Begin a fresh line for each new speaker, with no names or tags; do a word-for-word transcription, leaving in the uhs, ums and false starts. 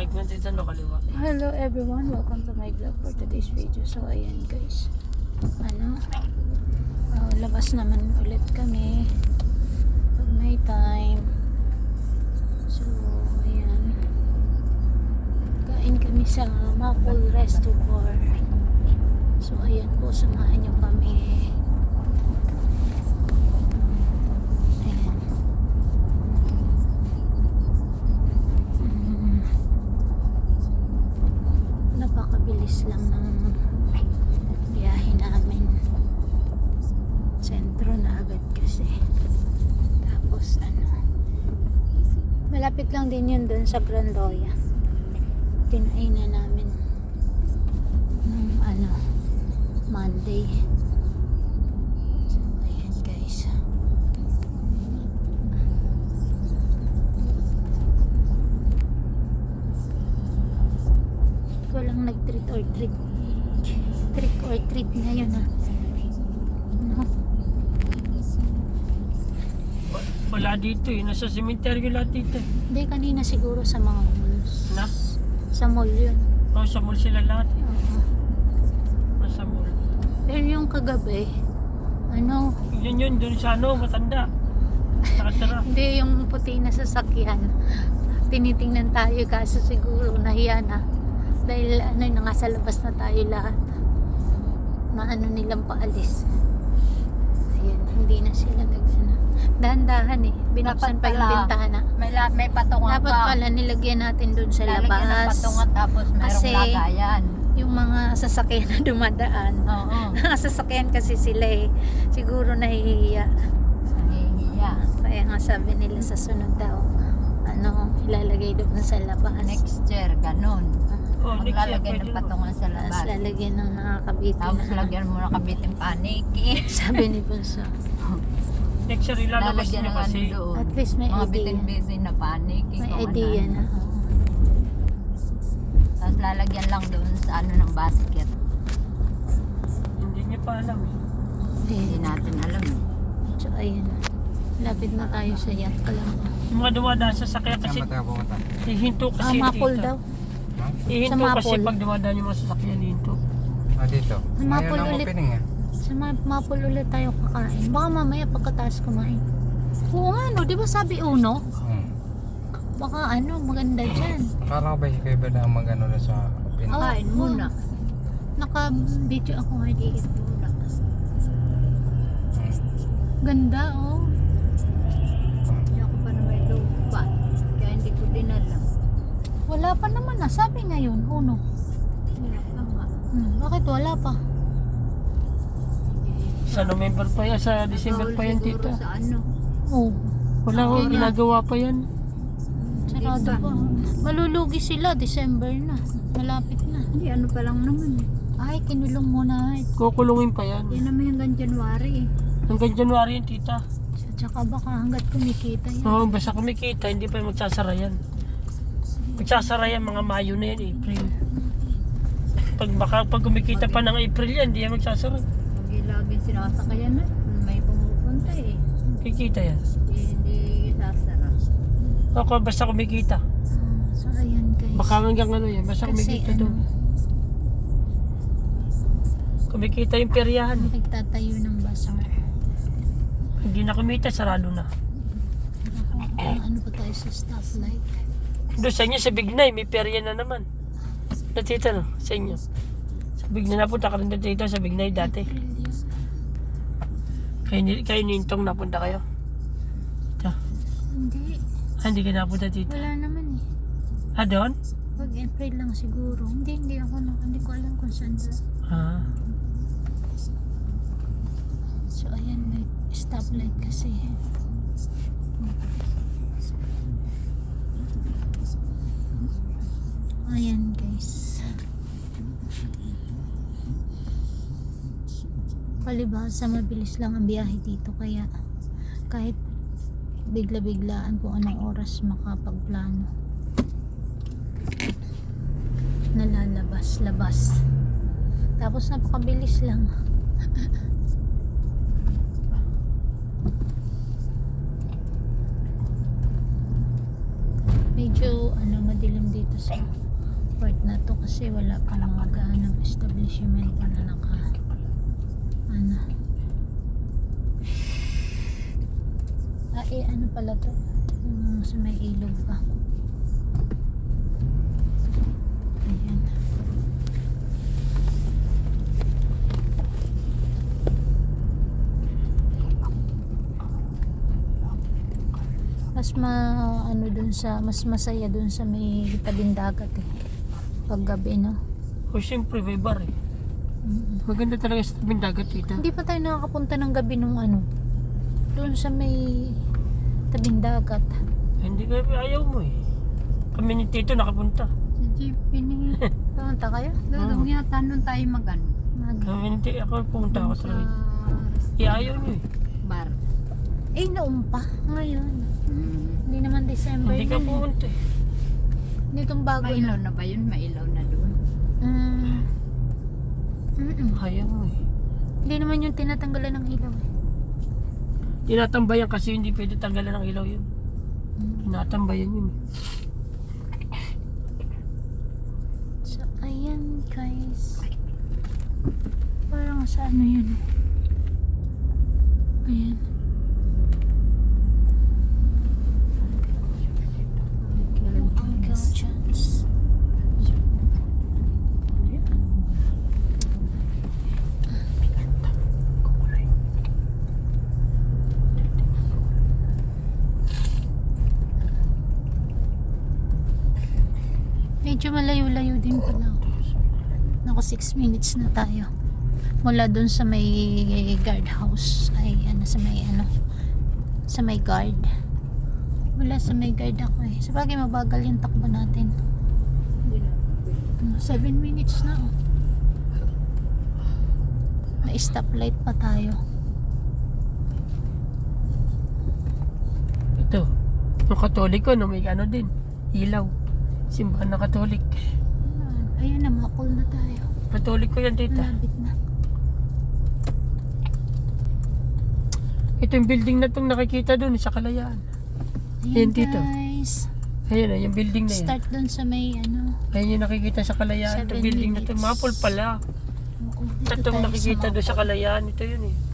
mic mo, tita, no, kaliwa.
Hello everyone, welcome to my vlog for today's video. So ayan guys, ano, uh, labas naman ulit kami pag may time. So ayan, kain kami sa Maple Resto Bar. So ayan po, samahan nyo kami. Napakabilis lang ng biyahe namin. Sentro na agad kasi. Tapos ano, malapit lang din yun dun sa Grandoya. Tinain na namin ng ano, Monday. So ayan guys, walang nag-treat or treat trick or treat ngayon ha. No?
Wala dito eh, nasa cemetery lahat dito.
Hindi, kanina siguro sa mga malls.
Na?
Sa mall yun.
Oh, sa mall sila lahat eh.
Oo.
Oh, sa mall.
Pero yung kagabi, ano,
Yun yun, dun sa ano, matanda. Nakatira.
hindi yung puti na sasakyan. Tinitingnan tayo kaso siguro nahiya na. Dahil ano, nasa labas na tayo lahat. Maano nilang paalis. Ayan, hindi na sila nag ano. Dahan-dahan eh. Binuksan
Dapat
pa yung
pala,
bintana.
May, la, may patungan
Dapat
pa.
pala nilagyan natin dun sa
Lalagyan ng
labas.
patungan tapos merong
Kasi,
lagayan.
Yung mga sasakyan na dumadaan.
Oo.
Mga sasakyan kasi sila eh. Siguro nahihiya.
Nahihiya.
Kaya nga sabi nila sa sunod daw, ano, ilalagay doon sa labas.
Next year, ganun.
Oh, next year,
Maglalagay
pwede
ng
naman.
patungan sa
Tapos
labas.
lalagyan ng nakakabiti
Tapos
na.
lagyan mo na kabitin paniki.
Sabi ni Bunso.
Next year, ilalabas
Lalagyan
niyo
ng ano
kasi.
doon.
At least may
Mga
idea.
bitin-bitin na paniki.
May
kung
idea
ano.
na.
Tapos lalagyan lang doon sa ano ng basket.
Hindi niya pa alam eh.
Hindi
Eh,
natin alam. eh.
so ayun. Lapit na tayo sa yacht lang.
Yung mga dumadaan sa sakya kasi,
Saan ba tayo pumunta?
hihinto
Ah,
kasi.
Mapol
tita.
daw.
Ha?
Hihinto
Sa
kasi
Mapol.
Ah,
pag dumadaan yung mga sasakyan, hihinto.
Ah, dito.
Sa Mapol
Ngayon ang
ulit.
opening eh.
Sa Ma- Mapol ulit tayo kakain. Baka mamaya pagkataas kumain. Oo nga no, di ba sabi uno?
Hmm.
Baka ano, maganda dyan.
Akala ko ba si Kuya Beda ang mag-ano na sa opening?
Oh,
Kain muna.
Naka-video ako ngayon muna.
Hmm.
Ganda oh.
Hindi ako pa na may lupa. Kaya hindi ko din alam.
Wala pa naman na. Sabi ngayon, uno.
Wala pa nga.
Hmm, bakit wala pa?
Sa November pa yan, sa December pa yan,
Siguro
tita.
sa ano.
Oh,
Wala ko,
Yun na.
ginagawa pa yan.
sarado
Diba?
pa. Malulugi sila, December na. Malapit na.
Hindi, ano pa lang naman. eh.
Ay, kinulong muna.
Kukulungin pa yan.
Yan naman hanggang January. eh.
Hanggang January yan, tita.
Tsaka baka hanggat kumikita yan.
Oo, basta kumikita, hindi pa magsasara yan. Magsasara yan mga Mayo na yan, April. Pag baka pag kumikita pa ng April yan, hindi yan magsasara.
Huwag lagi sinasakayan na. May pumupunta eh.
Kikita yan.
Hindi sasara.
Ako, basta kumikita.
Ah, so ayan guys.
Baka hanggang ano yan, basta
Kasi
kumikita
ano,
doon. Kumikita yung peryahan.
nagtatayo ng bazaar.
Hindi na kumita, sarado na.
Ako, ano pa tayo sa stoplight?
Doon sa inyo, sa Bignay, may perya na naman. Natita no, sa inyo. Sa Bignay, napunta ka rin dito sa Bignay dati. Kayo, ni- kayo nintong napunta kayo. Ito.
Hindi,
Ah, hindi ka napunta dito.
wala naman eh.
Ah, doon?
Pag April lang siguro. Hindi, hindi ako na, hindi ko alam kung saan doon.
Ah.
So ayan, may stoplight kasi. Ayan guys. Palibhasa mabilis lang ang biyahe dito, kaya kahit bigla-biglaan kung anong oras makapagplano. Nalalabas, labas. Tapos napakabilis lang. medyo medyo ano madilim dito sa part na to kasi wala pa lang mag-aanong establishment pa na naka ano ah eh ano pala to yung sa may ilog pa ayan mas ma ano dun sa mas masaya dun sa may tabing dagat eh pag gabi no.
O siyempre may bar eh.
Mm.
Maganda talaga sa tabing dagat dito.
Hindi pa tayo nakakapunta ng gabi nung ano dun sa may tabing dagat.
Hindi ka ayaw mo eh. Kami ni Tito nakapunta.
Si Jeep, ini.
Pumunta kayo?
Dodong yata nun tayo mag-ano.
Mag
Kami ni Tito, ako pumunta ako
Sa
talaga. Eh ayaw niyo eh.
bar.
eh noon pa ngayon.
Mm.
Hindi naman December
Hindi ka
yun eh.
pumunta eh.
Nitong bago
Mailaw
na.
na ba yun? Mailaw na doon.
Mm. Mm-mm.
Ayaw mo eh.
Hindi naman yung tinatanggalan ng ilaw eh.
Tinatambayan kasi hindi pwede tanggalan ng ilaw yun.
Mm.
Tinatambayan yun eh.
So, ayan guys. Parang sa ano yun. Ayan. Uncle John's. Medyo malayo-layo din pala. Nako six minutes na tayo. Mula dun sa may guardhouse. Ay, ano sa may ano. Sa may guard. Wala sa may guard ako eh. Sabagay mabagal yung takbo natin. seven minutes na oh. May stoplight pa tayo.
Ito. Yung Katoliko no, may ano din. Ilaw. Simbahan na Katolik.
Ayun na, makul na tayo.
Katoliko yan dito.
Malapit na.
Ito yung building na itong nakikita doon sa Kalayaan.
Ayan
Ayan, dito.
guys.
Ayan na, yung building na yan.
Start dun sa may ano.
Ayan yung nakikita sa Kalayaan. Itong
Seven
building na ito.
minutes.
Mapol pala.
Oo, dito
Itong
tayo
nakikita
sa
doon sa
Mapol.
Kalayaan. Ito yun eh.